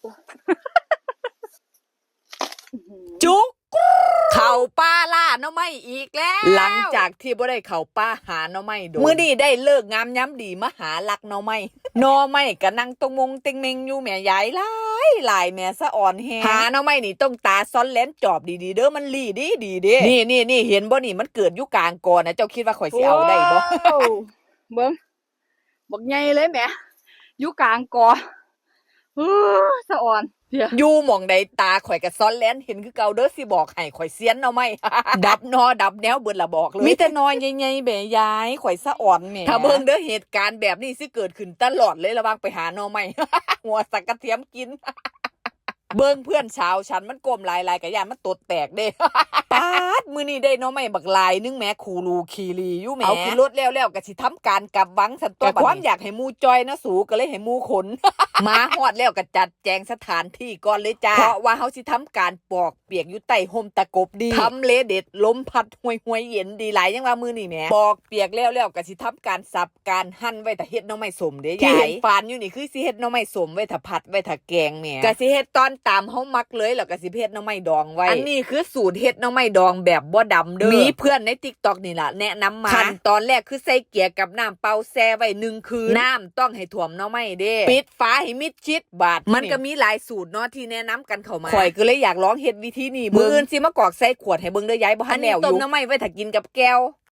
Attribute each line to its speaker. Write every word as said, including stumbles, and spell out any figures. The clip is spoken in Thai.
Speaker 1: จุกเข่าป้าล่าน้อไม่อีกแล้วหลังจากที่บ่ได้เข่าป้าหาน้อไม่โดนมื้อนี้ได้เลิกงามย้ำดีมาหาลักน้อไม่น้อไม่ก็นั่งตรงมงเต็งเมงอยู่แม่ยายหลายหลายแม่สะอ่อนแฮหาน้อไม่นี่ต้องตาซ้อนแหลมจอบดีๆเด้อมันลีดีดีเด้นี่นี่นี่เห็นบ่นี่มันเกิดอยู่กลางกอนะเจ้าคิดว่าข่อยสิเอาได้บ่
Speaker 2: เบิ่งบักใหญ่เลยแหมอยู่กลางกอเออสะอ่อน
Speaker 1: อยู่หม่องใดตาข่อยกับซ้อนแลนเห็นคือเก่าเด้อสิบอกให้ข่อยเสียนเอาไหม ดับนอดับแนวเบิดละบอกเลยมีแต่นอยใหญ่ๆแม่ยายข่อยสะอ่อนแม่ถ้าเบิ่งเด้อเหตุการณ์แบบนี้สิเกิดขึ้นตลอดเลยระวังไปหาหน่อไม้ หัวสักกระเทียมกิน เบิ่งเพื่อนชาวฉันมันก้มหลายๆกะยานมันตดแตกเด้ ปาดมื้อนี้ได้น้อไม่บักลายนึงแม่คูรูคีรีอยู่แม่เอาขึ้นรถแล้วๆก็สิทำการกลับวังสันตัวบัดความอยากให้หมู่จอยนะสูก็เลยให้หมู่ขน มาฮอดแล้วก็จัดแจงสถานที่ก่อนเลยจ้าเพราะว่าเฮาสิทำการปอกเปียกอยู่ใต้ห่มตะกบดีทำเลเด็ดลมพัดห่วยๆเย็นดีหลายยังว่ามื้อนี้แม่ปอกเปียกแล้วๆก็สิทำการสับการหั่นไว้ถ้าเฮ็ดน้อไม้สมเด้ยายฟานอยู่นี่คือสิเฮ็ดน้อไม้สมไว้ถ้าผัดไว้ถ้าแกงแม่ก็สิเฮ็ดตอนตามเฮามักเลยแล้วก็สิเฮ็ดหน่อไม้ดองไว้อันนี้คือสูตรเฮ็ดหน่อไม้ดองแบบบ่ดำเด้อมีเพื่อนใน TikTok นี่ล่ะแนะนำมาขั้นตอนแรกคือใส่เกลือกับน้ำเปล่าแช่ไว้หนึ่งคืนน้ำต้องให้ท่วมหน่อไม้เด้ปิดฝาให้มิดชิดบาดมันก็มีหลายสูตรเนาะที่แนะนำกันเข้ามาข่อยก็เลยอยากลองเฮ็ดวิธีนี้มื้ออื่นสิมากอกใส่ขวดให้เบิ่งเด้อยายบ่ทันแล้วอยู่ต้มหน่อไม้ไว้ถ้ากินกับแก้ว